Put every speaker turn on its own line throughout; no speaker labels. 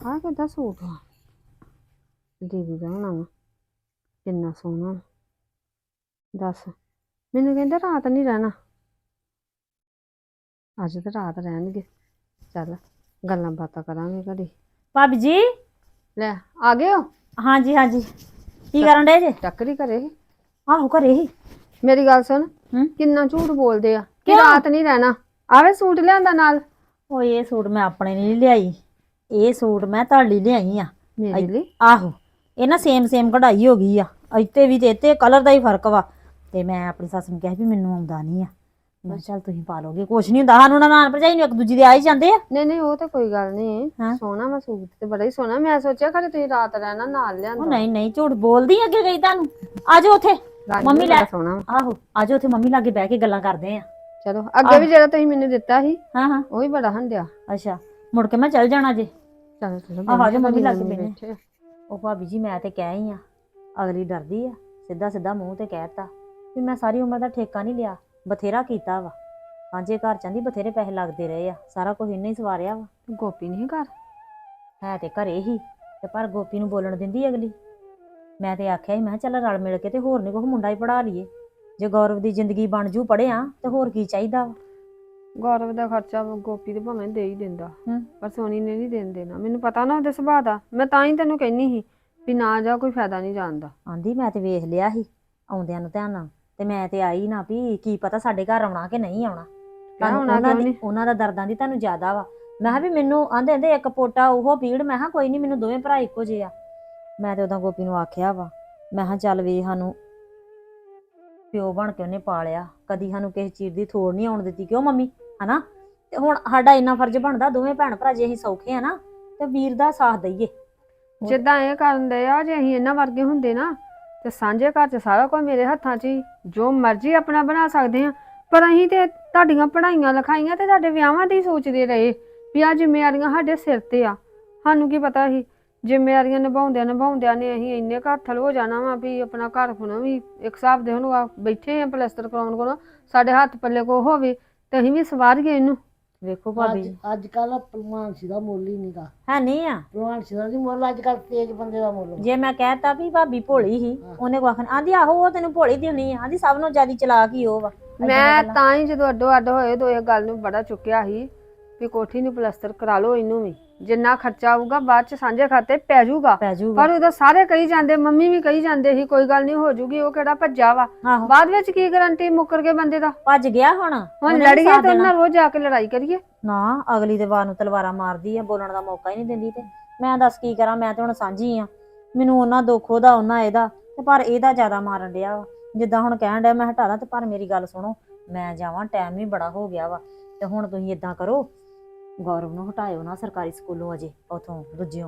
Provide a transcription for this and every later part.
ਆਹ ਕਿੱਦਾਂ ਸੂਟ ਆ ਦੀਦੀ ਦਾ ਹੋਣਾ ਵਾ ਕਿੰਨਾ ਸੋਹਣਾ ਦੱਸ ਮੈਨੂੰ ਕਹਿੰਦਾ ਰਾਤ ਨਹੀਂ ਰਹਿਣਾ ਅੱਜ ਤਾਂ ਰਾਤ ਰਹਿਣਗੇ ਚੱਲ ਗੱਲਾਂ ਬਾਤਾਂ ਕਰਾਂਗੇ ਘੜੀ
ਭਾਬੀ ਜੀ।
ਲੈ ਆ ਗਏ ਹੋ
ਹਾਂਜੀ ਹਾਂਜੀ। ਕੀ ਕਰਨ ਡੇ ਜੇ?
ਟੱਕਰੀ ਘਰੇ ਸੀ।
ਆਹੋ ਘਰੇ ਹੀ।
ਮੇਰੀ ਗੱਲ ਸੁਣ
ਹੂੰ
ਕਿੰਨਾ ਝੂਠ ਬੋਲਦੇ ਆ ਕਿ
ਕਿਉਂ?
ਰਾਤ ਨਹੀਂ ਰਹਿਣਾ ਆਵੇ ਸੂਟ ਲਿਆਂਦਾ ਨਾਲ
ਓਏ ਇਹ ਸੂਟ ਮੈਂ ਆਪਣੇ ਨਹੀਂ ਲਿਆਈ, ਇਹ ਸੂਟ ਮੈਂ ਤੁਹਾਡੇ ਲਈ ਲਿਆਈ ਆ।
ਮੇਰੇ ਲਈ
ਆਹੋ ਇਹ ਨਾ ਸੇਮ ਕਢਾਈ ਹੋ ਗਈ ਆ, ਇੱਥੇ ਵੀ ਤੇ ਇੱਥੇ ਕਲਰ ਦਾ ਹੀ ਫਰਕ ਵਾ। ਤੇ ਮੈਂ ਆਪਣੀ ਸੱਸ ਨੂੰ ਕਿਹਾ ਵੀ ਮੈਨੂੰ ਆਉਂਦਾ ਨਹੀਂ ਆ, ਮੈਂ ਕਿਹਾ ਚੱਲ ਤੁਸੀਂ ਪਾ ਲੋਗੇ, ਕੁਛ ਨਹੀਂ ਹੁੰਦਾ ਸਾਨੂੰ, ਨਾਨ ਭਰਜਾਈ ਨੂੰ ਇੱਕ ਦੂਜੀ ਦੇ ਆ ਹੀ ਜਾਂਦੇ ਆ।
ਨਹੀਂ ਉਹ ਤਾਂ ਕੋਈ ਗੱਲ ਨਹੀਂ
ਹਾਂ
ਸੋਹਣਾ ਵਾ ਸੂਟ ਤੇ ਬੜਾ ਹੀ ਸੋਹਣਾ ਮੈਂ ਸੋਚਿਆ ਖਰੇ ਤੁਸੀਂ ਰਾਤ ਰਹਿਣਾ ਨਾਲ
ਉਹ
ਲਿਆਂਦਾ
ਨਹੀਂ ਝੂਠ ਬੋਲਦੀ ਅੱਗੇ ਗਈ ਤੁਹਾਨੂੰ। ਆਜੋ ਉੱਥੇ ਮੰਮੀ ਲੈ,
ਸੋਹਣਾ ਵਾ।
ਆਹੋ ਆਜੋ ਉੱਥੇ ਮੰਮੀ ਲਾਗੇ ਬਹਿ ਕੇ ਗੱਲਾਂ ਕਰਦੇ ਆ।
ਚਲੋ ਅੱਗੇ ਵੀ ਜਿਹੜਾ ਤੁਸੀਂ ਮੈਨੂੰ ਦਿੱਤਾ ਸੀ
ਹਾਂ
ਉਹ ਵੀ ਬੜਾ ਹੰਡਿਆ।
ਅੱਛਾ ਮੁੜ ਕੇ ਮੈਂ ਚੱਲ ਜਾਣਾ ਜੇ।
ਚਲੋ ਚਲੋ
ਆਹੋ ਆਜੋ ਮੰਮੀ
ਬੈਠੇ
ਲਾਗੇ ਬੈਠੇ। ਉਹ ਭਾਬੀ ਜੀ ਮੈਂ ਤੇ ਕਹਿ ਹੀ ਆ, ਅਗਲੀ ਡਰਦੀ ਆ, ਸਿੱਧਾ ਮੂੰਹ ਤੇ ਕਹਿਤਾ ਵੀ ਮੈਂ ਸਾਰੀ ਉਮਰ ਦਾ ਠੇਕਾ ਨਹੀਂ ਲਿਆ, ਬਥੇਰਾ ਕੀਤਾ ਵਾ। ਹਾਂਜੀ ਘਰ ਚਾਂਦੀ ਬਥੇਰੇ ਪੈਸੇ ਲੱਗਦੇ ਰਹੇ ਆ, ਸਾਰਾ ਕੁਝ ਇਹਨੇ ਹੀ ਸਵਾਰਿਆ ਵਾ।
ਗੋਪੀ ਨਹੀਂ ਘਰ
ਹੈ ਤੇ ਘਰੇ ਹੀ ਤੇ ਪਰ ਗੋਪੀ ਨੂੰ ਬੋਲਣ ਦਿੰਦੀ ਅਗਲੀ। ਮੈਂ ਤੇ ਆਖਿਆ ਸੀ ਮੈਂ ਕਿਹਾ ਚੱਲ ਰਲ ਮਿਲ ਕੇ ਤੇ ਹੋਰ ਨਹੀਂ ਕੋਈ ਮੁੰਡਾ ਹੀ ਪੜਾ ਲਈਏ, ਜੇ ਗੌਰਵ ਦੀ ਜ਼ਿੰਦਗੀ ਬਣ ਜੂ ਪੜਿਆ ਤੇ ਹੋਰ ਕੀ ਚਾਹੀਦਾ ਵਾ।
ਗੌਰਵ ਦਾ ਖਰਚਾ ਗੋਪੀ ਦੇ ਭਾਵੇਂ ਦੇ ਹੀ ਦਿੰਦਾ
ਹੂੰ
ਪਰ ਸੋਨੀ ਨੇ ਨਹੀਂ ਦੇਣਾ। ਮੈਨੂੰ ਪਤਾ ਨਾ ਉਹਦੇ ਸੁਭਾਅ ਦਾ, ਮੈਂ ਤਾਂ ਹੀ ਤੈਨੂੰ ਕਹਿੰਨੀ ਸੀ ਵੀ ਨਾ ਜਾ, ਕੋਈ ਫਾਇਦਾ ਨਹੀਂ ਜਾਣ ਦਾ।
ਆਂਦੀ ਮੈਂ ਤੇ ਵੇਖ ਲਿਆ ਸੀ ਆਉਂਦਿਆਂ ਨੂੰ ਧਿਆਨ ਨਾਲ, ਤੇ ਮੈਂ ਤੇ ਆਈ ਨਾ ਵੀ ਕੀ ਪਤਾ ਸਾਡੇ ਘਰ ਆਉਣਾ ਕਿ ਨਹੀਂ ਆਉਣਾ। ਉਹਨਾਂ ਦਾ ਦਰਦਾਂ ਦੀ ਤੁਹਾਨੂੰ ਜ਼ਿਆਦਾ ਵਾ। ਮੈਂ ਕਿਹਾ ਵੀ ਮੈਨੂੰ ਆਂਦੇ ਇੱਕ ਪੋਟਾ ਉਹ ਪੀੜ, ਮੈਂ ਕਿਹਾ ਕੋਈ ਨਹੀਂ ਮੈਨੂੰ ਦੋਵੇਂ ਭਰਾ ਇੱਕੋ ਜਿਹੇ ਆ। ਮੈਂ ਤੇ ਉਦੋਂ ਗੋਪੀ ਨੂੰ ਆਖਿਆ ਵਾ, ਮੈਂ ਕਿਹਾ ਚੱਲ ਵੇ ਸਾਨੂੰ ਪਿਓ ਬਣ ਕੇ ਉਹਨੇ ਪਾਲਿਆ, ਕਦੀ ਸਾਨੂੰ ਕਿਸੇ ਚੀਜ਼ ਦੀ ਥੋੜ ਨਹੀਂ ਆਉਣ ਦਿੱਤੀ, ਕਿਉਂ ਮੰਮੀ ਹਨਾ। ਤੇ ਹੁਣ ਸਾਡਾ ਇੰਨਾ ਫਰਜ਼ ਬਣਦਾ ਦੋਵੇਂ ਭੈਣ ਭਰਾ ਜੇ ਅਸੀਂ ਸੌਖੇ ਆ ਨਾ ਤੇ ਵੀਰ ਦਾ ਸਾਥ ਦਈਏ।
ਜਿੱਦਾਂ ਇਹ ਕਰਨ ਦੇ ਆ, ਜੇ ਅਸੀਂ ਇਹਨਾਂ ਵਰਗੇ ਹੁੰਦੇ ਨਾ ਤੇ ਸਾਂਝੇ ਘਰ 'ਚ ਸਾਰਾ ਕੁਝ ਮੇਰੇ ਹੱਥਾਂ 'ਚ ਹੀ, ਜੋ ਮਰਜ਼ੀ ਆਪਣਾ ਬਣਾ ਸਕਦੇ ਆ। ਪਰ ਅਸੀਂ ਤੇ ਤੁਹਾਡੀਆਂ ਪੜ੍ਹਾਈਆਂ ਲਿਖਾਈਆਂ ਤੇ ਤੁਹਾਡੇ ਵਿਆਹਾਂ ਦੀ ਸੋਚਦੇ ਰਹੇ ਵੀ ਆਹ ਜ਼ਿੰਮੇਵਾਰੀਆਂ ਸਾਡੇ ਸਿਰ ਤੇ ਆ। ਸਾਨੂੰ ਕੀ ਪਤਾ ਸੀ ਜ਼ਿੰਮੇਵਾਰੀਆਂ ਨਿਭਾਉਂਦਿਆਂ ਨੇ ਅਸੀਂ ਇੰਨੇ ਘਰ ਥਲ ਹੋ ਜਾਣਾ ਵਾ ਵੀ ਆਪਣਾ ਘਰ ਖੁਣਾ ਵੀ ਇੱਕ ਹਿਸਾਬ ਦੇ ਹੁਣ ਬੈਠੇ ਆ ਪਲਸਤਰ ਕਰਾਉਣ ਕੋਲੋਂ, ਸਾਡੇ ਹੱਥ ਪੱਲੇ ਕੋ ਹੋਵੇ ਤੇ ਅਸੀਂ ਵੀ ਸਵਾਰੀਏ ਇਹਨੂੰ।
ਵੇਖੋ ਭਾਬੀ
ਅੱਜ ਕੱਲ ਪ੍ਰਮਾਨਸੀ ਦਾ ਮੁੱਲ ਹੀ ਨਹੀਂਗਾ।
ਹੈ ਨਹੀਂ ਆ
ਪ੍ਰਮਾਨਸੀ ਦਾ ਨਹੀਂ ਮੁੱਲ, ਅੱਜ ਕੱਲ ਤੇਜ ਬੰਦੇ ਦਾ ਮੁੱਲ।
ਜੇ ਮੈਂ ਕਹਿਤਾ ਵੀ ਭਾਬੀ ਭੋਲੀ ਹੀ, ਉਹਨੇ ਕੋ ਆਖਣ ਆਂਦੀ ਆਹੋ ਉਹ ਤੈਨੂੰ ਭੋਲੀ ਦੀ ਹੋਣੀ ਆ, ਆਂਦੀ ਸਭ ਨੂੰ ਜਿਆਦਾ ਚਲਾਕ ਹੀ ਉਹ ਵਾ।
ਮੈਂ ਤਾਂ ਹੀ ਜਦੋਂ ਅੱਡੋ ਅੱਡ ਹੋਏ ਦੋ ਇਹ ਗੱਲ ਨੂੰ ਬੜਾ ਚੁੱਕਿਆ ਸੀ ਵੀ ਕੋਠੀ ਨੂੰ ਪਲਸਤਰ ਕਰਾ ਲਓ, ਇਹਨੂੰ ਵੀ ਜਿੰਨਾ ਖਰਚਾ ਆਊਗਾ ਬਾਅਦ ਚ ਸਾਂਝੇ ਖਾਤੇ ਪੈ ਜਾਊਗਾ। ਪਰ ਉਹਦਾ ਸਾਰੇ ਕਹੀ ਜਾਂਦੇ, ਮੰਮੀ ਵੀ ਕਹੀ ਜਾਂਦੇ ਸੀ ਕੋਈ ਗੱਲ ਨਹੀਂ ਹੋ ਜੂਗੀ, ਉਹ ਕਿਹੜਾ ਭੱਜਾ ਵਾ। ਬਾਅਦ ਵਿੱਚ ਕੀ ਗਰੰਟੀ ਮੁੱਕਰ ਕੇ ਬੰਦੇ ਦਾ
ਭੱਜ ਗਿਆ। ਹੁਣ
ਲੜੀਏ ਤੇ ਉਹਨਾਂ ਰੋਜ਼ ਜਾ ਕੇ ਲੜਾਈ ਕਰੀਏ
ਨਾ, ਅਗਲੀ ਦੇ ਵਾਰ ਨੂੰ ਤਲਵਾਰਾਂ ਮਾਰਦੀ ਆ, ਬੋਲਣ ਦਾ ਮੌਕਾ ਹੀ ਨਹੀਂ ਦਿੰਦੀ। ਤੇ ਮੈਂ ਦੱਸ ਕੀ ਕਰਾਂ, ਮੈਂ ਤੇ ਹੁਣ ਸਾਂਝੀ ਆ, ਮੈਨੂੰ ਉਹਨਾਂ ਦੁੱਖ ਉਹਦਾ ਉਹਨਾਂ ਇਹਦਾ, ਤੇ ਪਰ ਇਹਦਾ ਜ਼ਿਆਦਾ ਮਾਰਨ ਡਿਆ ਵਾ। ਜਿੱਦਾਂ ਹੁਣ ਕਹਿਣ ਡਿਆ ਮੈਂ ਹਟਾ ਦਾਂ, ਤੇ ਪਰ ਮੇਰੀ ਗੱਲ ਸੁਣੋ, ਮੈਂ ਜਾਵਾਂ ਟਾਈਮ ਵੀ ਬੜਾ ਹੋ ਗਿਆ ਵਾ। ਤੇ ਹੁਣ ਤੁਸੀਂ ਏਦਾਂ ਕਰੋ, ਗੌਰਵ ਨੂੰ ਹਟਾਇਓ ਨਾ ਸਰਕਾਰੀ ਸਕੂਲੋਂ, ਅਜੇ ਉਥੋਂ ਦੂਜਿਓਂ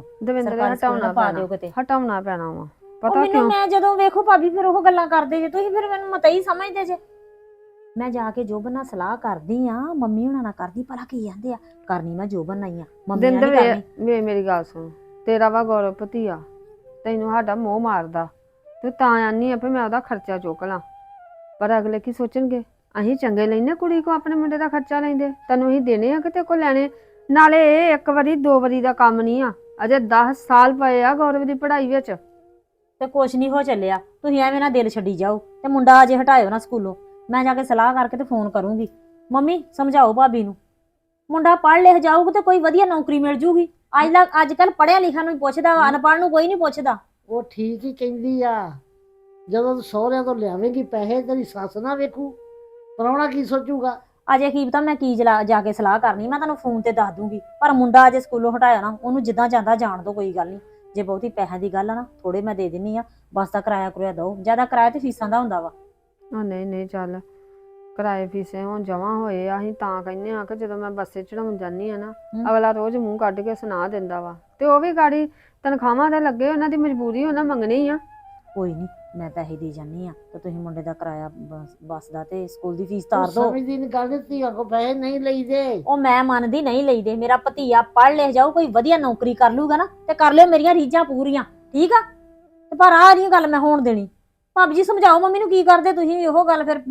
ਹਟਾਉਣਾ ਪੈਣਾ ਵਾ। ਪਤਾ ਕਿਉਂ? ਮੈਂ ਜਦੋਂ ਵੇਖੋ ਭਾਬੀ ਫਿਰ ਉਹ ਗੱਲਾਂ ਕਰਦੇ ਜੇ ਤੁਸੀਂ, ਫਿਰ ਮੈਨੂੰ ਮਤਾ ਹੀ ਸਮਝਦੇ ਜੇ। ਮੈਂ ਜਾ ਕੇ ਜੋਬਨ ਨਾਲ ਸਲਾਹ ਕਰਦੀ ਆ, ਮੰਮੀ ਹੁਣਾਂ ਨਾਲ ਕਰਦੀ, ਭਲਾ ਕੀ ਕਹਿੰਦੇ ਆ। ਕਰਨੀ ਮੈਂ ਜੋਬਨ ਨਾਲ ਹੀ ਆ, ਮੰਮੀ ਨਾਲ ਨਹੀਂ ਕਰਨੀ।
ਮੇਰੀ ਗੱਲ ਸੁਣ, ਤੇਰਾ ਵਾ ਗੌਰਵ ਭਤੀਆ, ਤੈਨੂੰ ਸਾਡਾ ਮੋਹ ਮਾਰਦਾ, ਤੇ ਤਾਂ ਆਨੀ ਆ ਵੀ ਮੈਂ ਉਹਦਾ ਖਰਚਾ ਚੁੱਕ ਲਾਂ। ਪਰ ਅਗਲੇ ਕੀ ਸੋਚਣਗੇ, ਅਸੀਂ ਚੰਗੇ ਲੈਨੇ ਕੁੜੀ ਕੋ ਆਪਣੇ ਮੁੰਡੇ ਦਾ ਖਰਚਾ ਲੈਂਦੇ, ਤੈਨੂੰ ਅਸੀਂ ਦੇਣੇ ਆ ਕਿਤੇ ਕੋ ਲੈਣੇ। ਨਾਲੇ ਇਹ ਇੱਕ ਵਾਰੀ ਦੋ ਵਾਰੀ ਦਾ ਕੰਮ ਨਹੀਂ ਆ, ਅਜੇ 10 ਸਾਲ ਪਏ ਆ ਗੌਰਵ ਦੀ ਪੜ੍ਹਾਈ ਵਿੱਚ।
ਤੇ ਕੁਛ ਨਹੀਂ ਹੋ ਚੱਲਿਆ, ਤੁਸੀਂ ਐਵੇਂ ਨਾ ਦਿਲ ਛੱਡੀ ਜਾਓ, ਤੇ ਮੁੰਡਾ ਅਜੇ ਹਟਾਇਓ ਨਾ ਸਕੂਲੋਂ। ਮੈਂ ਜਾ ਕੇ ਸਲਾਹ ਕਰਕੇ ਤੇ ਫੋਨ ਕਰੂੰਗੀ। ਮੰਮੀ ਸਮਝਾਓ ਭਾਬੀ ਨੂੰ, ਮੁੰਡਾ ਪੜ੍ਹ ਲਿਖ ਜਾਊਗਾ ਤੇ ਕੋਈ ਵਧੀਆ ਨੌਕਰੀ ਮਿਲ ਜੂਗੀ। ਅੱਜ ਕੱਲ ਪੜ੍ਹਿਆ ਲਿਖਿਆ ਨੂੰ ਪੁੱਛਦਾ, ਅਨਪੜ੍ਹ ਨੂੰ ਕੋਈ ਨਹੀਂ ਪੁੱਛਦਾ।
ਉਹ ਠੀਕ ਹੀ ਕਹਿੰਦੀ ਆ, ਜਦੋਂ ਤੂੰ ਸਹੁਰਿਆਂ ਤੋਂ ਲਿਆਵੇਂਗੀ ਪੈਸੇ ਤੇਰੀ ਸੱਸ ਨਾ ਵੇਖੂ, ਪ੍ਰਾਹੁਣਾ ਕੀ ਸੋਚੂਗਾ।
ਅਜੇ ਕੀ ਪਤਾ ਮੈਂ ਕੀ ਜਾ ਕੇ ਸਲਾਹ ਕਰਨੀ, ਮੈਂ ਤੁਹਾਨੂੰ ਫੋਨ ਤੇ ਦੱਸ ਦੂੰਗੀ। ਪਰ ਮੁੰਡਾ ਅਜੇ ਸਕੂਲੋਂ ਹਟਾਇਆ ਨਾ, ਉਹਨੂੰ ਜਿੱਦਾਂ ਜਾਂਦਾ ਜਾਣ ਦੋ, ਕੋਈ ਗੱਲ ਨਹੀਂ। ਜੇ ਬਹੁਤੀ ਪੈਸਿਆਂ ਦੀ ਗੱਲ ਆ ਨਾ, ਥੋੜੇ ਮੈਂ ਦੇ ਦਿੰਨੀ ਆ, ਬੱਸ ਦਾ ਕਿਰਾਇਆ ਕਰੂਆ ਦੋ, ਜ਼ਿਆਦਾ ਕਿਰਾਇਆ ਤੇ ਫੀਸਾਂ ਦਾ ਹੁੰਦਾ ਵਾ।
ਨਹੀਂ ਚੱਲ ਕਿਰਾਏ ਫੀਸੇ ਹੁਣ ਜਮਾ ਹੋਏ ਆ, ਅਸੀਂ ਤਾਂ ਕਹਿੰਦੇ ਆ ਕਿ ਜਦੋਂ ਮੈਂ ਬੱਸੇ ਚੜਾਉਣ ਜਾਂਦੀ ਆ ਨਾ, ਅਗਲਾ ਰੋਜ਼ ਮੂੰਹ ਕੱਢ ਕੇ ਸੁਣਾ ਦਿੰਦਾ ਵਾ, ਤੇ ਉਹ ਵੀ ਗਾੜੀ ਤਨਖਾਹਾਂ ਤੇ ਲੱਗੇ, ਉਹਨਾਂ ਦੀ ਮਜਬੂਰੀ ਉਹਨਾਂ ਮੰਗਣੀ ਆ।
ਕੋਈ ਨਹੀਂ ਮੈਂ ਪੈਸੇ ਦੇ ਜਾਨੀ ਆ, ਤੇ ਤੁਸੀਂ ਮੁੰਡੇ ਦਾ ਕਿਰਾਇਆ ਬੱਸ ਦਾ ਤੇ ਸਕੂਲ ਦੀ ਫੀਸ ਤਾਰ ਦੋ।
ਸਮਝਦੀ ਨਹੀਂ ਗੱਲ, ਧੀਆਂ ਕੋ ਪੈਸੇ ਨਹੀਂ ਲਈਦੇ।
ਉਹ ਮੈਂ ਮੰਨਦੀ ਨਹੀਂ ਲਈਦੇ, ਮੇਰਾ ਭਤੀਆ ਪੜ੍ਹ ਲਿਖ ਜਾਊ, ਕੋਈ ਵਧੀਆ ਨੌਕਰੀ ਕਰ ਲੂਗਾ ਨਾ, ਤੇ ਕਰ ਲਿਓ ਮੇਰੀਆਂ ਰੀਝਾਂ ਪੂਰੀਆਂ, ਠੀਕ ਆ। ਤੇ ਪਰ ਆਹ ਨਹੀਂ ਗੱਲ ਮੈਂ ਹੋਣ ਦੇਣੀ। ਭਾਬੀ ਜੀ ਸਮਝਾਓ ਮੰਮੀ ਨੂੰ, ਕੀ ਕਰਦੇ ਤੁਸੀਂ ਉਹ ਗੱਲ ਫਿਰ।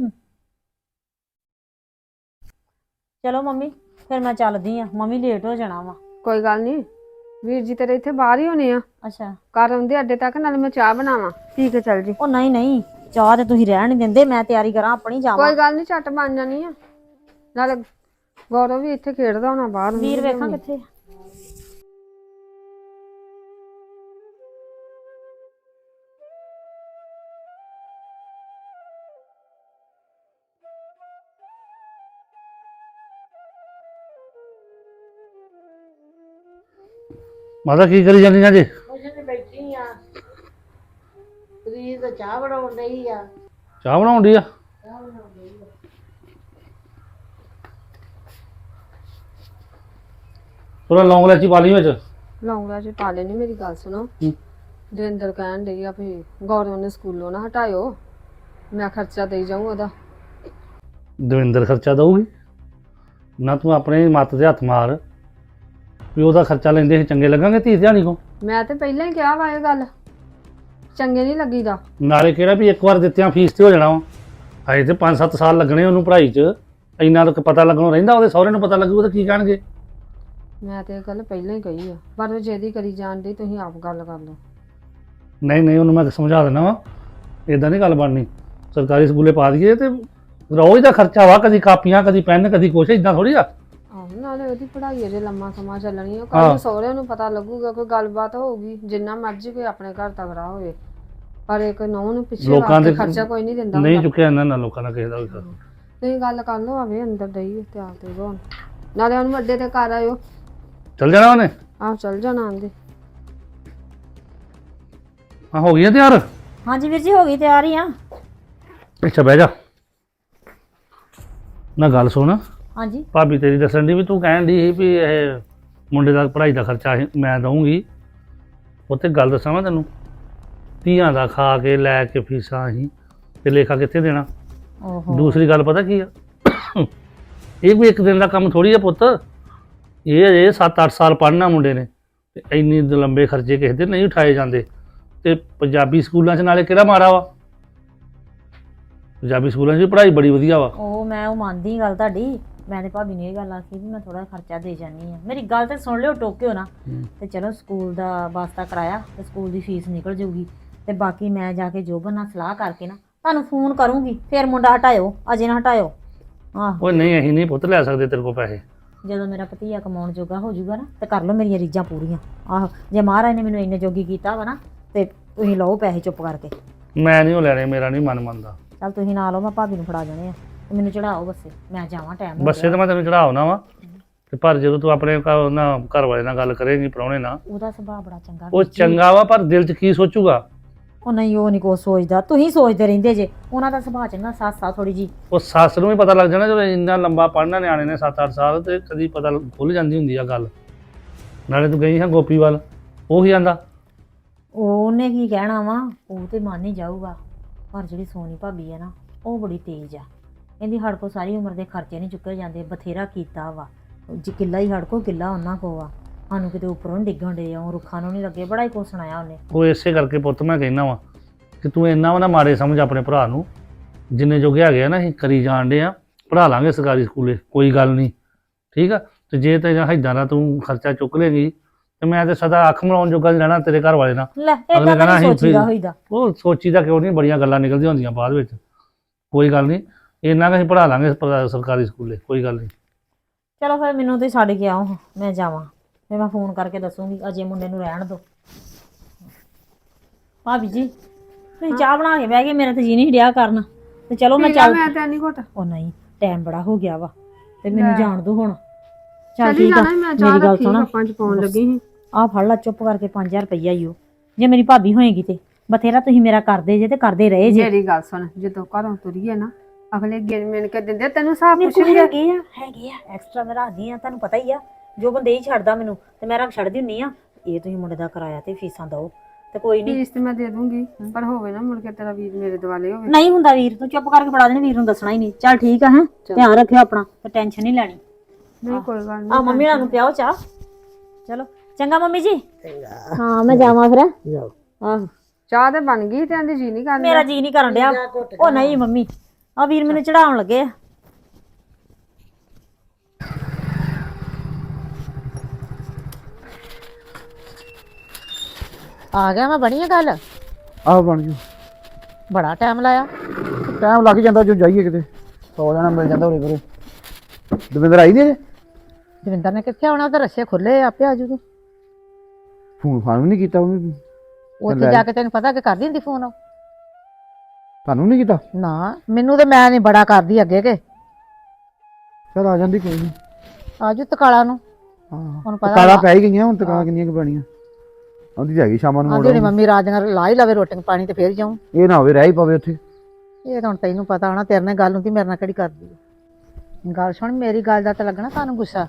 ਚਲੋ ਮੰਮੀ ਫਿਰ ਮੈਂ ਚੱਲਦੀ ਆ, ਮੰਮੀ ਲੇਟ ਹੋ ਜਾਣਾ ਵਾ।
ਕੋਈ ਗੱਲ ਨਹੀਂ, ਵੀਰ ਜੀ ਤੇਰੇ ਇੱਥੇ ਬਾਹਰ ਹੀ ਹੋਣੇ ਆ,
ਅੱਛਾ
ਘਰ ਆਉਂਦੇ ਅੱਡੇ ਤੱਕ, ਨਾਲੇ ਮੈਂ ਚਾਹ ਬਣਾਵਾਂ ਪੀ ਕੇ ਚੱਲ ਜੀ।
ਉਹ ਨਹੀਂ ਨਹੀਂ, ਚਾਹ ਤੇ ਤੁਸੀਂ ਰਹਿਣ ਨਹੀਂ ਦਿੰਦੇ, ਮੈਂ ਤਿਆਰੀ ਕਰਾਂ ਆਪਣੀ ਜਾਵਾਂ।
ਕੋਈ ਗੱਲ ਨਹੀਂ, ਝੱਟ ਬਣ ਜਾਣੀ ਆ। ਨਾਲੇ ਗੌਰਵ ਵੀ ਇੱਥੇ ਖੇਡਦਾ ਹੋਣਾ ਬਾਹਰ।
ਵੀਰ ਵੇਖਾਂ ਕਿੱਥੇ?
ਮਾਤਾ ਕੀ ਕਰੀ ਜਾਂਦੀਆਂ ਜੀ?
ਕੁਛ ਨਹੀਂ, ਬੈਠੀ ਆ। ਪ੍ਰੀਤ ਤਾਂ ਚਾਹ ਬਣਾਉਣ ਡਈ ਆ।
ਚਾਹ ਬਣਾਉਣ ਡਈ ਆ? ਥੋੜਾ ਲੌਂਗ ਇਲਾਚੀ ਪਾ ਲਈ ਵਿੱਚ।
ਲੌਂਗਾ ਚ ਪਾ ਲੈਣੀ। ਮੇਰੀ ਗੱਲ ਸੁਣੋ,
ਹੂੰ।
ਦਵਿੰਦਰ ਕਹਿਣ ਡਈ ਆ ਵੀ ਗੌਰਵ ਨੇ ਸਕੂਲੋਂ ਨਾ ਹਟਾਇਓ, ਮੈਂ ਖਰਚਾ ਦੇਈ ਜਾਊਂ ਉਹਦਾ।
ਦਵਿੰਦਰ ਖਰਚਾ ਦਊਗੀ ਨਾ? ਤੂੰ ਆਪਣੇ ਮੱਤ ਦੇ ਹੱਥ ਮਾਰ ਵੀ ਉਹਦਾ ਖਰਚਾ ਲੈਂਦੇ ਅਸੀਂ ਚੰਗੇ ਲੱਗਾਂਗੇ ਧੀ ਧਿਆਣੀ ਕੋ?
ਮੈਂ ਤੇ ਪਹਿਲਾਂ ਹੀ ਕਿਹਾ ਵਾ ਇਹ ਗੱਲ, ਚੰਗੇ ਨਹੀਂ ਲੱਗੀਦਾ।
ਨਾਲੇ ਕਿਹੜਾ ਵੀ ਇੱਕ ਵਾਰ ਦਿੱਤਿਆਂ ਫੀਸ ਤੇ ਹੋ ਜਾਣਾ ਵਾ? ਅਜੇ ਤੇ 5-7 ਸਾਲ ਲੱਗਣੇ ਉਹਨੂੰ ਪੜ੍ਹਾਈ 'ਚ। ਇੰਨਾ ਤਾਂ ਪਤਾ ਲੱਗਣੋਂ ਰਹਿੰਦਾ, ਉਹਦੇ ਸਹੁਰੇ ਨੂੰ ਪਤਾ ਲੱਗੂ ਤਾਂ ਕੀ ਕਹਿਣਗੇ?
ਮੈਂ ਤੇ ਇਹ ਗੱਲ ਪਹਿਲਾਂ ਹੀ ਕਹੀ ਆ, ਪਰ ਉਹ ਜਿਹਦੀ ਕਰੀ ਜਾਣ ਡਈ, ਤੁਸੀਂ ਆਪ ਗੱਲ ਕਰ ਲਓ।
ਨਹੀਂ ਨਹੀਂ, ਉਹਨੂੰ ਮੈਂ ਸਮਝਾ ਦਿੰਦਾ ਵਾ, ਇਦਾਂ ਨਹੀਂ ਗੱਲ ਬਣਨੀ। ਸਰਕਾਰੀ ਸਕੂਲੇ ਪਾ ਦਈਏ ਤੇ ਰੋਜ਼ ਦਾ ਖਰਚਾ ਵਾ, ਕਦੀ ਕਾਪੀਆਂ, ਕਦੀ ਪੈਨ, ਕਦੀ ਕੁਛ, ਇਦਾਂ ਥੋੜੀ ਆ।
ਆਹੋ, ਨਾਲੇ ਉਹਦੀ ਪੜ੍ਹਾਈ ਅਜੇ ਲੰਮਾ ਸਮਾਂ ਚੱਲਣੀ ਆ। ਕੱਲ ਨੂੰ ਸਹੁਰਿਆਂ ਨੂੰ ਪਤਾ ਲੱਗੂਗਾ, ਕੋਈ ਗੱਲਬਾਤ ਹੋਊਗੀ। ਜਿੰਨਾ ਮਰਜ਼ੀ ਕੋਈ ਆਪਣੇ ਘਰ ਤਗੜਾ ਹੋਵੇ, ਪਰ ਇੱਕ ਨੂੰਹ ਨੂੰ ਪਿੱਛੇ
ਲੋਕਾਂ
ਵਾਸਤੇ
ਦੇ
ਖਰਚਾ ਕੋਈ ਨਹੀਂ ਦਿੰਦਾ
ਨਹੀਂ
ਹੁੰਦਾ।
ਚੁੱਕਿਆ ਇਹਨਾਂ ਨਾਲ ਲੋਕਾਂ ਦਾ ਕਿਸੇ ਦਾ ਵੀ ਕਰ।
ਤੁਸੀਂ ਗੱਲ ਕਰ ਲਓ, ਆਵੇ ਅੰਦਰ ਡਈ ਤਿਆਰ ਤੇ ਹੋਣ। ਨਾਲੇ ਉਹਨੂੰ ਅੱਡੇ ਤੇ ਘਰ ਆਇਓ।
ਚੱਲ ਜਾਣਾ ਉਹਨੇ?
ਆਹ ਚੱਲ ਜਾਣਾ ਆਂਦੇ।
ਹਾਂ, ਹੋ ਗਈ ਆ ਤਿਆਰ?
ਹਾਂਜੀ ਵੀਰ ਜੀ, ਹੋ ਗਈ ਤਿਆਰ ਹੀ ਆ।
ਅੱਛਾ ਬਹਿ ਜਾ। ਨਾ ਗੱਲ ਸੁਣ,
ਹਾਂਜੀ
ਭਾਬੀ ਤੇਰੀ ਦੱਸਣ ਦੀ ਵੀ ਤੂੰ ਕਹਿਣ ਦੀ ਸੀ ਵੀ ਇਹ ਮੁੰਡੇ ਦਾ ਪੜ੍ਹਾਈ ਦਾ ਖਰਚਾ ਮੈਂ ਦਊਂਗੀ। ਉੱਥੇ ਗੱਲ ਦੱਸਾਂ ਮੈਂ ਤੈਨੂੰ, ਧੀਆਂ ਦਾ ਖਾ ਕੇ ਲੈ ਕੇ ਫੀਸਾਂ ਅਸੀਂ ਤੇ ਲੇਖਾ ਕਿੱਥੇ ਦੇਣਾ?
ਓਹੋ,
ਦੂਸਰੀ ਗੱਲ ਪਤਾ ਕੀ ਆ, ਇਹ ਕੋਈ ਇੱਕ ਦਿਨ ਦਾ ਕੰਮ ਥੋੜੀ ਆ ਪੁੱਤ। ਇਹ ਅਜੇ 7-8 ਸਾਲ ਪੜ੍ਹਨਾ ਮੁੰਡੇ ਨੇ, ਤੇ ਇੰਨੀ ਲੰਬੇ ਖਰਚੇ ਕਿਸੇ ਦੇ ਨਹੀਂ ਉਠਾਏ ਜਾਂਦੇ। ਤੇ ਪੰਜਾਬੀ ਸਕੂਲਾਂ 'ਚ ਨਾਲੇ ਕਿਹੜਾ ਮਾੜਾ ਵਾ? ਪੰਜਾਬੀ ਸਕੂਲਾਂ 'ਚ ਵੀ ਪੜ੍ਹਾਈ ਬੜੀ ਵਧੀਆ ਵਾ।
ਮੈਂ ਮੰਨਦੀ ਗੱਲ ਤੁਹਾਡੀ। ਮੈਂ ਤੇ ਭਾਬੀ ਨੂੰ ਇਹ ਗੱਲ ਆਖੀ ਵੀ ਮੈਂ ਥੋੜਾ ਖਰਚਾ ਦੇ ਜਾਨੀ ਆ। ਮੇਰੀ ਗੱਲ ਤੇ ਸੁਣ ਲਿਓ, ਟੋਕਿਓ ਨਾ। ਤੇ ਚਲੋ ਸਕੂਲ ਦਾ ਵਾਸਤਾ ਕਰਾਇਆ ਤੇ ਸਕੂਲ ਦੀ ਫੀਸ ਨਿਕਲ ਜਾਊਗੀ, ਤੇ ਬਾਕੀ ਮੈਂ ਜਾ ਕੇ ਜੋਬਨ ਨਾਲ ਸਲਾਹ ਕਰਕੇ ਨਾ ਤੁਹਾਨੂੰ ਫੋਨ ਕਰੂੰਗੀ। ਫਿਰ ਮੁੰਡਾ ਹਟਾਇਓ, ਅਜੇ ਨਾ ਹਟਾਇਓ। ਆਹ
ਉਹ ਨਹੀਂ, ਅਸੀਂ ਨਹੀਂ ਪੁੱਤ ਲੈ ਸਕਦੇ ਤੇਰੇ ਕੋਲ ਪੈਸੇ।
ਜਦੋਂ ਮੇਰਾ ਭਤੀਆ ਕਮਾਉਣ ਜੋਗਾ ਹੋ ਜਾਊਗਾ ਨਾ, ਤੇ ਕਰ ਲਓ ਮੇਰੀਆਂ ਰੀਝਾਂ ਪੂਰੀਆਂ। ਆਹੋ, ਜੇ ਮਹਾਰਾਜ ਨੇ ਮੈਨੂੰ ਇੰਨੇ ਜੋਗੀ ਕੀਤਾ ਵਾ ਨਾ, ਤੇ ਤੁਸੀਂ ਲਓ ਪੈਸੇ ਚੁੱਪ ਕਰਕੇ।
ਮੈਂ ਨਹੀਂ ਉਹ ਲੈਣੇ, ਮੇਰਾ ਨਹੀਂ ਮਨ ਮੰਨਦਾ।
ਚੱਲ ਤੁਸੀਂ ਨਾ ਲਓ, ਮੈਂ ਭਾਬੀ ਨੂੰ ਫੜਾ ਜਾਣੇ ਆ। ਤੇ ਮੈਨੂੰ ਚੜਾਓ ਬੱਸੇ, ਮੈਂ ਜਾਵਾਂ, ਟਾਈਮ ਹੋ
ਬੱਸੇ
ਗਿਆ।
ਤਾਂ ਮੈਂ ਤੈਨੂੰ ਚੜਾਉਣਾ ਵਾ, ਤੇ ਪਰ ਜਦੋਂ ਤੂੰ ਆਪਣੇ ਘਰ ਵਾਲੇ ਨਾਲ ਗੱਲ ਕਰੇਂਗੀ, ਪ੍ਰਾਹੁਣੇ ਨਾਲ,
ਉਹਦਾ ਸੁਭਾਅ ਬੜਾ ਚੰਗਾ
ਉਹ
ਵੀਰ ਜੀ।
ਚੰਗਾ ਵਾ, ਪਰ ਦਿਲ 'ਚ ਕੀ ਸੋਚੂਗਾ?
ਉਹ ਨਹੀਂ, ਉਹ ਨਹੀਂ ਕੁਛ ਸੋਚਦਾ, ਤੁਸੀਂ ਸੋਚਦੇ ਰਹਿੰਦੇ ਜੇ। ਉਹਨਾਂ ਦਾ ਸੁਭਾਅ ਚੰਗਾ, ਸੱਸ ਆ ਥੋੜੀ ਜੀ।
ਉਹ ਸੱਸ ਨੂੰ ਵੀ ਪਤਾ ਲੱਗ ਜਾਣਾ, ਜਦੋਂ ਇੰਨਾ ਲੰਬਾ ਪੜ੍ਹਨਾ ਨਿਆਣੇ ਨੇ 7-8 ਸਾਲ, ਤੇ ਕਦੀ ਪਤਾ ਖੁੱਲ ਜਾਂਦੀ ਹੁੰਦੀ ਆ ਗੱਲ। ਨਾਲੇ ਤੂੰ ਗਈ ਹਾਂ ਗੋਪੀ ਵੱਲ, ਉਹ ਕੀ ਜਾਂਦਾ?
ਉਹਨੇ ਕੀ ਕਹਿਣਾ ਵਾ, ਉਹ ਤੇ ਮੰਨ ਹੀ ਜਾਊਗਾ। ਪਰ ਜਿਹੜੀ ਸੋਨੀ ਭਾਬੀ ਹੈ ਨਾ, ਉਹ ਬੜੀ ਤੇਜ਼ ਆ। ਕਹਿੰਦੀ ਸਾਡੇ ਕੋਲ ਸਾਰੀ ਉਮਰ ਦੇ ਖਰਚੇ ਨਹੀਂ ਚੁੱਕੇ ਜਾਂਦੇ, ਬਥੇਰਾ ਕੀਤਾ ਵਾ ਜੀ। ਕਿੱਲਾ ਹੀ ਸਾਡੇ ਕੋਲ, ਕਿੱਲਾ ਉਹਨਾਂ ਕੋਲ ਆ। ਸਾਨੂੰ ਕਿਤੇ ਉੱਪਰੋਂ ਨੀ ਡਿੱਗਣ ਡੇ, ਉਹ ਰੁੱਖਾਂ ਨੂੰ ਨਹੀਂ ਲੱਗੇ। ਬੜਾ ਹੀ ਕੁਛ ਸੁਣਾਇਆ ਉਹਨੇ।
ਉਹ ਇਸੇ ਕਰਕੇ ਪੁੱਤ ਮੈਂ ਕਹਿੰਦਾ ਵਾਂ ਕਿ ਤੂੰ ਇੰਨਾ ਵਾ ਨਾ ਮਾੜੇ ਸਮਝ ਆਪਣੇ ਭਰਾ ਨੂੰ। ਜਿੰਨੇ ਜੋਗੇ ਹੈਗੇ ਆ ਨਾ, ਅਸੀਂ ਕਰੀ ਜਾਣ ਡੇ ਆ, ਪੜ੍ਹਾ ਲਾਂਗੇ ਸਰਕਾਰੀ ਸਕੂਲੇ, ਕੋਈ ਗੱਲ ਨਹੀਂ, ਠੀਕ ਆ। ਤੇ ਜੇ ਤੇ ਇੱਦਾਂ ਦਾ ਤੂੰ ਖਰਚਾ ਚੁੱਕ ਲੇਗੀ, ਤੇ ਮੈਂ ਤੇ ਸਦਾ ਅੱਖ ਮਿਲਾਉਣ ਜੋਗਾ ਨਹੀਂ ਰਹਿਣਾ ਤੇਰੇ ਘਰ ਵਾਲੇ ਨਾਲ।
ਲੈ ਏਦਾਂ ਦਾ ਨੀ ਸੋਚੀਦਾ ਹੋਈਦਾ।
ਉਹ ਸੋਚੀਦਾ ਕਿਉਂ ਨਹੀਂ, ਬੜੀਆਂ ਗੱਲਾਂ ਨਿਕਲਦੀਆਂ ਹੁੰਦੀਆਂ ਬਾਅਦ ਵਿੱਚ। ਕੋਈ ਗੱਲ ਨਹੀਂ, ਇੰਨਾ ਕੁ ਅਸੀਂ ਪੜ੍ਹਾ ਲਾਂਗੇ ਸਰਕਾਰੀ ਸਕੂਲੇ, ਕੋਈ ਗੱਲ ਨਹੀਂ।
ਚਲੋ ਫਿਰ ਮੈਨੂੰ ਤੇ ਛੱਡ ਕੇ ਆਓ, ਮੈਂ ਜਾਵਾਂ। ਫਿਰ ਮੈਂ ਫੋਨ ਕਰਕੇ ਦੱਸੂਗੀ, ਅਜੇ ਮੁੰਡੇ ਨੂੰ ਰਹਿਣ ਦਿਓ। ਭਾਬੀ ਜੀ, ਤੁਸੀਂ ਚਾਹ ਬਣਾ ਕੇ ਬਹਿ ਗਏ, ਮੇਰਾ ਤੇ ਜੀ ਨਹੀਂ ਡਿਆ ਕਰਨ। ਤੇ ਚਲੋ ਮੈਂ ਚੱਲ।
ਮੈਂ ਤੇ ਨਹੀਂ ਘੁੱਟ।
ਉਹ ਨਹੀਂ, ਟਾਈਮ ਬੜਾ ਹੋ ਗਿਆ ਵਾ, ਤੇ ਮੈਨੂੰ ਜਾਣ ਦਿਓ ਹੁਣ। ਚੱਲ
ਚਲੀ
ਠੀਕ ਆ,
ਜਾਣਾ, ਮੈਂ ਚਾਹ
ਮੇਰੀ ਗੱਲ
ਰੱਖੀ
ਸੁਣ।
ਕੱਪਾਂ 'ਚ ਪਾਉਣ ਲੱਗੀ ਸੀ।
ਆਹ ਫੜ ਲਾ, ਚੁੱਪ ਕਰਕੇ 5000 ਰੁਪਈਆ ਹੀ ਉਹ। ਜੇ ਮੇਰੀ ਭਾਬੀ ਹੋਏਗੀ ਤੇ ਬਥੇਰਾ ਤੁਸੀਂ ਮੇਰਾ ਕਰਦੇ ਜੇ, ਤੇ ਕਰਦੇ ਰਹੇ ਜੇ।
ਮੇਰੀ ਗੱਲ ਸੁਣ, ਜਦੋਂ ਘਰੋਂ ਤੁਰੀਏ ਨਾ, ਅਗਲੇ ਗਿਣ ਮਿਣ ਕੇ ਦਿੰਦੇ, ਤੈਨੂੰ ਸਾਹ
ਮੇਰੇ ਕੋਲ
ਪੁੱਛਣਗੇ।
ਹੈਗੇ ਆ ਐਕਸਟਰਾ, ਮੈਂ ਰੱਖਦੀ ਆ। ਤੁਹਾਨੂੰ ਪਤਾ ਹੀ ਆ, ਜੋ ਬੰਦੇ ਹੀ ਛੱਡਦਾ ਮੈਨੂੰ, ਤੇ ਮੈਂ ਰੱਖ ਛੱਡਦੀ ਹੁੰਨੀ ਆ। ਇਹ ਤੁਸੀਂ ਮੁੰਡੇ ਦਾ ਕਿਰਾਇਆ ਤੇ ਫੀਸਾਂ ਦਿਓ, ਤੇ ਕੋਈ ਨਹੀਂ।
ਫੀਸ ਤੇ ਮੈਂ ਦੇ ਦੂੰਗੀ, ਪਰ ਹੋਵੇ ਨਾ ਮੁੜ ਕੇ ਤੇਰਾ ਵੀਰ ਮੇਰੇ ਦੁਆਲੇ ਹੋਵੇ।
ਨਹੀਂ ਹੁੰਦਾ ਵੀਰ, ਤੂੰ ਚੁੱਪ ਕਰਕੇ ਫੜਾ ਦੇਣੀ, ਵੀਰ ਨੂੰ ਦੱਸਣਾ ਹੀ ਨਹੀਂ। ਚੱਲ ਠੀਕ ਆ, ਹੈ ਧਿਆਨ ਰੱਖਿਓ ਆਪਣਾ, ਤੇ ਟੈਨਸ਼ਨ ਨਹੀਂ ਲੈਣੀ।
ਨਹੀਂ ਕੋਈ ਗੱਲ ਨਹੀਂ।
ਆ ਮੰਮੀ ਨਾਲ ਨੂੰ ਪਿਆਓ ਚਾਹ। ਚਲੋ ਚੰਗਾ ਮੰਮੀ ਜੀ। ਹਾਂ ਮੈਂ ਜਾਵਾਂ ਫਿਰ। ਆਹ
ਚਾਹ ਤੇ ਬਣ ਗਈ, ਤੇ ਆਂਦੀ ਜੀ ਨਹੀਂ ਕਰਦਾ।
ਮੇਰਾ ਜੀ ਨਹੀਂ ਕਰਨ ਡਿਆ। ਉਹ ਨਹੀਂ ਮੰਮੀ, ਆ ਵੀਰ ਮੈਨੂੰ ਚੜਾਉਣ ਲੱਗੇ ਆ।
ਆ ਗਿਆ ਮੈਂ ਬਣੀ ਆ ਗੱਲ।
ਆਹ ਬਣ ਜੂ।
ਬੜਾ ਟਾਈਮ ਲਾਇਆ।
ਟਾਈਮ ਲੱਗ ਜਾਂਦਾ ਜੋ ਜਾਈਏ ਕਿਤੇ 100 ਜਣਾ ਮਿਲ ਜਾਂਦਾ ਉਰੇ ਦਵਿੰਦਰ ਆਈ ਨਹੀਂ
ਦਵਿੰਦਰ ਨੇ ਕਿੱਥੇ ਆਉਣਾ, ਉਹਦੇ ਰੱਸੇ ਖੁੱਲੇ ਆਪੇ ਆ ਜੂਗੀ।
ਫੋਨ ਫਾਨ ਵੀ ਨਹੀਂ ਕੀਤਾ ਉਹਨੇ।
ਉੱਥੇ ਜਾ ਕੇ ਤੈਨੂੰ ਪਤਾ ਕਿ ਕਰਦੀ ਹੁੰਦੀ ਫੋਨ ਉਹ।
ਤੁਹਾਨੂੰ ਨਹੀਂ ਕੀਤਾ?
ਨਾ ਮੈਨੂੰ ਤੇ ਮੈਂ ਨਹੀਂ ਬੜਾ ਕਰਦੀ ਅੱਗੇ ਕੇ।
ਚਲ ਆ ਜਾਂਦੀ ਕੋਈ ਨਹੀਂ।
ਆਜੂ ਤਕਾਲਾ ਨੂੰ।
ਹਾਂ
ਹੁਣ ਪਤਾ
ਕਾਲਾ ਪੈ ਹੀ ਗਈਆਂ ਹੁਣ, ਤਕਾ ਕਿੰਨੀਆਂ ਕੁ ਪੈਣੀਆਂ। ਆਉਂਦੀ ਜਾਏਗੀ ਸ਼ਾਮਾਂ ਨੂੰ
ਆਂਦੀ ਹੋਣੀ ਮੰਮੀ ਰਾਤ ਦੀਆਂ ਲਾ ਹੀ ਲਵੇ ਰੋਟੀ ਪਾਣੀ ਤੇ ਫੇਰ ਜਾਊਂ।
ਇਹ ਨਾ ਹੋਵੇ ਰਹਿ ਹੀ ਪਵੇ ਉੱਥੇ।
ਇਹ ਤਾਂ ਹੁਣ ਤੈਨੂੰ ਪਤਾ ਹੋਣਾ, ਤੇਰੇ ਨਾਲ ਗੱਲ ਹੁੰਦੀ, ਮੇਰੇ ਨਾਲ ਕਿਹੜੀ ਕਰਦੀ ਹੈ। ਗੱਲ ਸੁਣ, ਮੇਰੀ ਗੱਲ ਦਾ ਤਾਂ ਲੱਗਣਾ ਤੁਹਾਨੂੰ ਗੁੱਸਾ।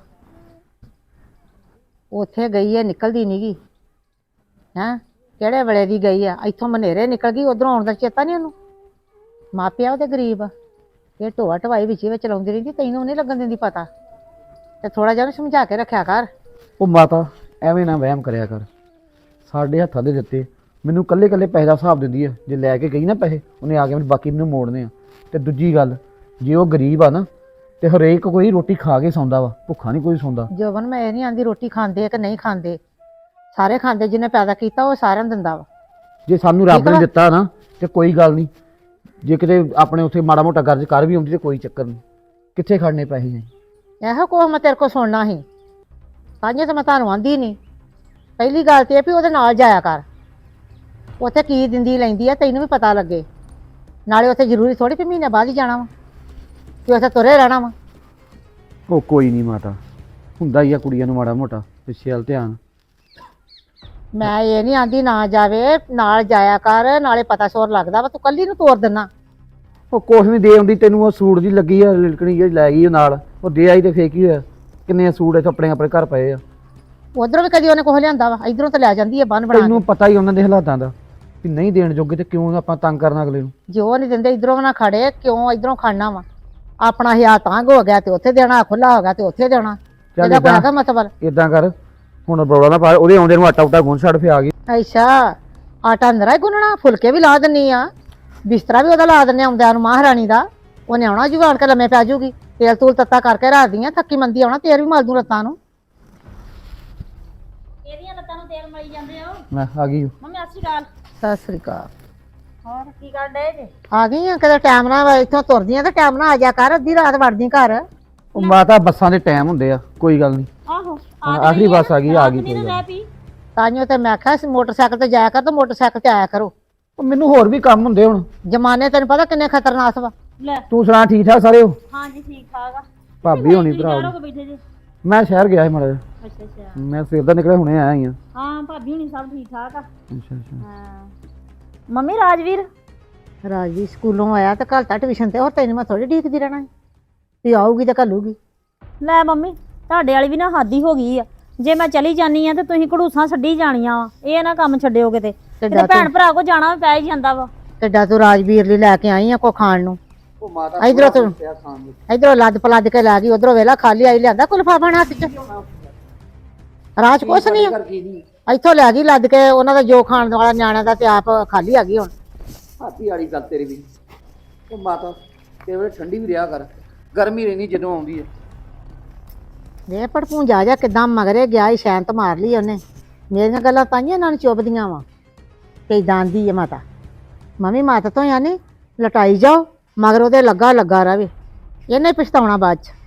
ਉੱਥੇ ਗਈ ਹੈ, ਨਿਕਲਦੀ ਨੀ ਗੀ। ਹੈਂ ਕਿਹੜੇ ਵੇਲੇ ਦੀ ਗਈ ਆ, ਇੱਥੋਂ ਮਨੇਰੇ ਨਿਕਲ ਗਈ, ਉਧਰੋਂ ਆਉਣ ਦਾ ਚੇਤਾ ਨਹੀਂ ਉਹਨੂੰ। ਮਾਪਿਆ ਉਹਦੇ ਗਰੀਬ ਆ, ਇਹ ਢੋਆ ਢਵਾਈ ਵਿੱਚ ਲਾਉਂਦੀ ਰਹਿੰਦੀ, ਤੈਨੂੰ ਨਹੀਂ ਲੱਗਣ ਦਿੰਦੀ ਪਤਾ। ਤੇ ਥੋੜਾ ਜਿਹਾ ਉਹਨੂੰ ਸਮਝਾ ਕੇ ਰੱਖਿਆ ਕਰ।
ਉਹ ਮਾਤਾ ਐਵੇਂ ਨਾ ਵਹਿਮ ਕਰਿਆ ਕਰ। ਸਾਡੇ ਹੱਥਾਂ ਦੇ ਦਿੱਤੇ ਮੈਨੂੰ ਕੱਲੇ ਕੱਲੇ ਪੈਸੇ ਦਾ ਹਿਸਾਬ ਦਿੰਦੀ ਆ। ਜੇ ਲੈ ਕੇ ਗਈ ਨਾ ਪੈਸੇ, ਉਹਨੇ ਆ ਕੇ ਬਾਕੀ ਮੈਨੂੰ ਮੋੜਨੇ ਆ। ਤੇ ਦੂਜੀ ਗੱਲ, ਜੇ ਉਹ ਗਰੀਬ ਆ ਨਾ ਤੇ ਹਰੇਕ ਕੋਈ ਰੋਟੀ ਖਾ ਕੇ ਸੌਂਦਾ ਵਾ, ਭੁੱਖਾ ਨਹੀਂ ਕੋਈ ਸੌਂਦਾ।
ਜੋਬਨ ਮੈਂ ਇਹ ਨਹੀਂ ਆਂਦੀ ਰੋਟੀ ਖਾਂਦੇ ਕਿ ਨਹੀਂ ਖਾਂਦੇ, ਸਾਰੇ ਖਾਂਦੇ। ਜਿਹਨੇ ਪੈਦਾ ਕੀਤਾ ਉਹ ਸਾਰਿਆਂ ਨੂੰ ਦਿੰਦਾ ਵਾ।
ਜੇ ਸਾਨੂੰ ਰੱਬ ਨੇ ਦਿੱਤਾ ਨਾ ਤੇ ਕੋਈ ਗੱਲ ਨਹੀਂ। ਜੇ ਕਿਤੇ ਆਪਣੇ ਉੱਥੇ ਮਾੜਾ ਮੋਟਾ ਗਰਜ ਕਰ ਵੀ ਆਉਂਦੀ ਤੇ ਕੋਈ ਚੱਕਰ ਨਹੀਂ। ਕਿੱਥੇ ਖੜਨੇ ਪੈਸੇ ਨੇ?
ਇਹੋ ਕੁਛ ਮੈਂ ਤੇਰੇ ਕੋਲ ਸੁਣਨਾ ਸੀ, ਤਾਂਹੀਓ ਤਾਂ ਮੈਂ ਤੁਹਾਨੂੰ ਆਂਦੀ ਨਹੀਂ। ਪਹਿਲੀ ਗੱਲ ਤੇ ਇਹ ਵੀ ਉਹਦੇ ਨਾਲ ਜਾਇਆ ਕਰ। ਉੱਥੇ ਕੀ ਦਿੰਦੀ ਲੈਂਦੀ ਆ ਤੈਨੂੰ ਵੀ ਪਤਾ ਲੱਗੇ। ਨਾਲੇ ਉੱਥੇ ਜ਼ਰੂਰੀ ਥੋੜੀ ਵੀ ਮਹੀਨੇ ਬਾਅਦ ਹੀ ਜਾਣਾ ਵਾ, ਕਿ ਉੱਥੇ ਤੁਰੇ ਰਹਿਣਾ ਵਾ।
ਉਹ ਕੋਈ ਨਹੀਂ ਮਾਤਾ, ਹੁੰਦਾ ਹੀ ਆ ਕੁੜੀਆਂ ਨੂੰ ਮਾੜਾ ਮੋਟਾ ਪਿੱਛੇ ਵੱਲ ਧਿਆਨ।
ਮੈਂ ਇਹ ਨਹੀਂ ਆਂਦੀ ਨਾ ਜਾਵੇ, ਨਾਲ ਜਾਇਆ ਕਰ, ਨਾਲੇ ਪਤਾ ਸ਼ੋਰ ਲੱਗਦਾ ਵਾ। ਤੂੰ ਕੱਲੀ ਨੂੰ ਤੋਰ ਦਿੰਨਾ।
ਉਹ ਕੁਛ ਨਹੀਂ ਦੇ ਆਉਂਦੀ ਤੈਨੂੰ। ਉਹ ਸੂਟ ਦੀ ਲੱਗੀ ਆ ਲਿਲਕਣੀ ਜਿਹੜੀ ਲੈ ਗਈ ਉਹ ਨਾਲ, ਉਹ ਦੇ ਆਈ ਤੇ ਫੇਕ ਹੀ ਹੋਇਆ। ਕਿੰਨੇ ਸੂਟ ਇੱਥੇ ਆਪਣੇ ਆਪਣੇ ਘਰ ਪਏ ਆ।
ਉਧਰੋਂ ਵੀ ਕਦੀ ਉਹਨੇ ਕੁਛ ਲਿਆਂਦਾ ਵਾ, ਇਧਰੋਂ ਤਾਂ ਲੈ ਜਾਂਦੀ ਹੈ ਬੰਨ ਬਣਾ
ਤੈਨੂੰ
ਕੇ।
ਪਤਾ ਹੀ ਉਹਨਾਂ ਦੇ ਹਾਲਾਤਾਂ ਦਾ ਵੀ ਨਹੀਂ ਦੇਣ ਜੋਗੇ ਤੇ ਕਿਉਂ ਆਪਾਂ ਤੰਗ ਕਰਨਾ ਅਗਲੇ ਨੂੰ।
ਜੇ ਉਹ ਨਹੀਂ ਦਿੰਦੇ ਇਧਰੋਂ ਨਾ ਖੜੇ, ਕਿਉਂ ਇਧਰੋਂ ਖਾਣਾ ਵਾ। ਆਪਣਾ ਹਿਆ ਤੰਗ ਹੋ ਗਿਆ ਤੇ ਉੱਥੇ ਦੇਣਾ, ਖੁੱਲਾ ਹੋ ਗਿਆ ਤੇ ਉੱਥੇ ਦੇਣਾ। ਇਹਦਾ ਕੋਈ ਹੈਗਾ ਮਤਲਬ?
ਇਦਾਂ ਕਰ ਹੁਣ ਬਰੋਲਾ ਨਾ ਪਾ, ਉਹਦੇ ਆਉਂਦੇ ਨੂੰ ਆਟਾ ਉਟਾ ਗੁੰਨ ਛੱਡ ਫੇ ਆ ਗਈ।
ਅੱਛਾ ਆਟਾ ਅੰਦਰਾ ਹੀ ਗੁੰਨਣਾ, ਫੁਲਕੇ ਵੀ ਲਾ ਦਿੰਨੀ ਆ, ਬਿਸਤਰਾ ਵੀ ਉਹਦਾ ਲਾ ਦਿੰਨੇ ਆਉਂਦਿਆਂ ਨੂੰ ਮਹਾਰਾਣੀ ਦਾ। ਉਹਨੇ ਆਉਣਾ ਜੁਗਾੜ ਕੇ ਲੰਮੇ ਪੈ ਜੂਗੀ, ਤੇਲ ਤੂਲ ਤੱਤਾ ਕਰਕੇ ਰੱਖਦੀਆਂ, ਥੱਕੀ ਮੰਦੀ ਆਉਣਾ, ਤੇਲ ਵੀ ਮਲ ਦੂੰ ਲੱਤਾਂ ਨੂੰ।
ਇਹਦੀਆਂ ਲੱਤਾਂ ਨੂੰ ਤੇਲ ਮਲੀ ਜਾਂਦੇ ਹੋ।
ਮੈਂ ਆ ਗਈ।
ਮੰਮੀ ਸਤਿ ਸ਼੍ਰੀ ਅਕਾਲ।
ਸਤਿ ਸ੍ਰੀ ਅਕਾਲ।
ਹੋਰ ਕੀ ਕਰਨ ਡਏ ਜੇ?
ਆ ਗਈ ਆ, ਕਦੇ ਟਾਈਮ ਨਾਲ ਇੱਥੋਂ ਤੁਰਦੀਆਂ ਤੇ ਟਾਈਮ ਨਾਲ ਆ ਜਾ ਕਰ, ਅੱਧੀ ਰਾਤ ਵੜਦੀ ਘਰ।
ਉਹ ਮਾਤਾ ਬੱਸਾਂ ਦੇ ਟਾਈਮ ਹੁੰਦੇ ਆ, ਕੋਈ ਗੱਲ ਨਹੀਂ।
ਆਹੋ
ਹੁਣ ਆਖਰੀ ਬੱਸ ਆ ਗਈ, ਆ ਗਈ ਕੋਈ ਗੱਲ ਨੀ।
ਪੀ
ਤਾਂਹੀਓ ਤੇ ਮੈਂ ਆਖਿਆ ਸੀ ਮੋਟਰਸਾਈਕਲ ਤੇ ਜਾਇਆ ਕਰ, ਤੇ ਮੋਟਰਸਾਈਕਲ ਤੇ ਆਇਆ ਕਰੋ।
ਉਹ ਮੈਨੂੰ ਹੋਰ ਵੀ ਕੰਮ ਹੁੰਦੇ ਹੁਣ।
ਜਮਾਨੇ ਤੈਨੂੰ ਪਤਾ ਕਿੰਨੇ ਖਤਰਨਾਕ ਵਾ।
ਲੈ
ਤੂੰ ਸੁਣਾ ਠੀਕ ਠਾਕ ਸਾਰੇ ਹੋ?
ਹਾਂਜੀ ਠੀਕ ਠਾਕ ਆ।
ਭਾਬੀ ਹੋਣੀ ਭਰਾ
ਚਾਰੋਂ ਕੋ ਬੈਠੇ ਜੇ?
ਮੈਂ ਸ਼ਹਿਰ ਗਿਆ ਸੀ ਮਾੜਾ ਜਿਹਾ।
ਅੱਛਾ ਅੱਛਾ।
ਮੈਂ ਸਵੇਰ ਦਾ ਨਿਕਲਿਆ, ਹੁਣੇ ਆਇਆ ਹੀ ਆ।
ਹਾਂ ਭਾਬੀ ਹੁਣੀ ਸਭ ਠੀਕ ਠਾਕ ਆ।
ਅੱਛਾ ਅੱਛਾ।
ਹਾਂ ਮੰਮੀ ਰਾਜਵੀਰ
ਰਾਜੀ ਸਕੂਲੋਂ ਆਇਆ ਤੇ ਘਰ ਤਾਂ ਟਿਊਸ਼ਨ ਤੇ, ਹੋਰ ਤੈਨੂੰ ਮੈਂ ਥੋੜੀ ਢੀਕਦੀ ਰਹਿਣਾ ਹੈ ਵੀ ਆਊਗੀ ਤੇ ਘੱਲੂਗੀ।
ਲੈ ਮੰਮੀ ਤੁਹਾਡੇ ਵਾਲੀ ਵੀ ਨਾ ਹੱਦ ਹੀ ਹੋ ਗਈ ਆ। ਜੇ ਮੈਂ ਚਲੀ ਜਾਨੀ ਆ ਤੇ ਤੁਸੀਂ ਘੜੂਸਾਂ ਛੱਡੀ ਜਾਣੀਆਂ ਵਾ, ਇਹ ਨਾ ਕੰਮ ਛੱਡਿਓ ਕਿਤੇ। ਕਿਤੇ ਭੈਣ ਭਰਾ ਕੋ ਜਾਣਾ ਵੀ ਪੈ ਹੀ ਜਾਂਦਾ ਵਾ।
ਕਿੱਡਾ ਤੂੰ ਰਾਜਵੀਰ ਲਈ ਲੈ ਕੇ ਆਈ ਆ ਕੋ ਖਾਣ ਨੂੰ।
ਉਹ ਮਾਤਾ
ਇਧਰੋਂ ਤੂੰ ਇਧਰੋਂ ਲੱਦ ਪਲੱਦ ਕੇ ਲੈ ਗਈ, ਉਧਰੋਂ ਵੇਲਾ ਖਾਲੀ ਆਈ, ਲਿਆਂਦਾ ਕੁਲਫਾ ਬਣਾ ਹੱਥ ਚ। ਰਾਜ ਕੁਛ ਨਹੀਂ ਇੱਥੋਂ ਲੈ ਗਈ ਲੱਦ ਕੇ, ਉਹਨਾਂ ਦਾ ਜੋ ਖਾਣ ਵਾਲਾ ਨਿਆਣਿਆਂ ਦਾ ਤੇ ਆਪ ਖਾਲੀ ਆ ਗਈ ਹੁਣ।
ਹਾਥੀ ਵਾਲੀ ਗੱਲ ਤੇਰੀ ਵੀ। ਉਹ ਮਾਤਾ ਤੇ ਵੇਲੇ ਠੰਡੀ ਵੀ ਰਿਹਾ ਕਰ, ਗਰਮੀ ਰਹਿਣੀ ਜਦੋਂ ਆਉਂਦੀ ਹੈ।
ਵੇ ਭੜਪੂੰ ਜਾ ਕਿਦਾਂ ਮਗਰੇ ਗਿਆ ਹੀ, ਸ਼ੈਂਤ ਮਾਰ ਲਈ ਉਹਨੇ। ਮੇਰੀਆਂ ਗੱਲਾਂ ਤਾਂਹੀਆਂ ਇਹਨਾਂ ਨੂੰ ਚੁੱਭਦੀਆਂ ਵਾ ਕਿ ਇਦਾਂ ਆਂਦੀ ਹੈ ਮਾਤਾ। ਮੰਮੀ ਮਾਤਾ ਤੋਂ ਯਾਨੀ ਲਟਾਈ ਜਾਓ, ਮਗਰ ਉਹਦੇ ਲੱਗਾ ਰਵੇ, ਇਹਨੇ ਪਛਤਾਉਣਾ ਬਾਅਦ ਚ।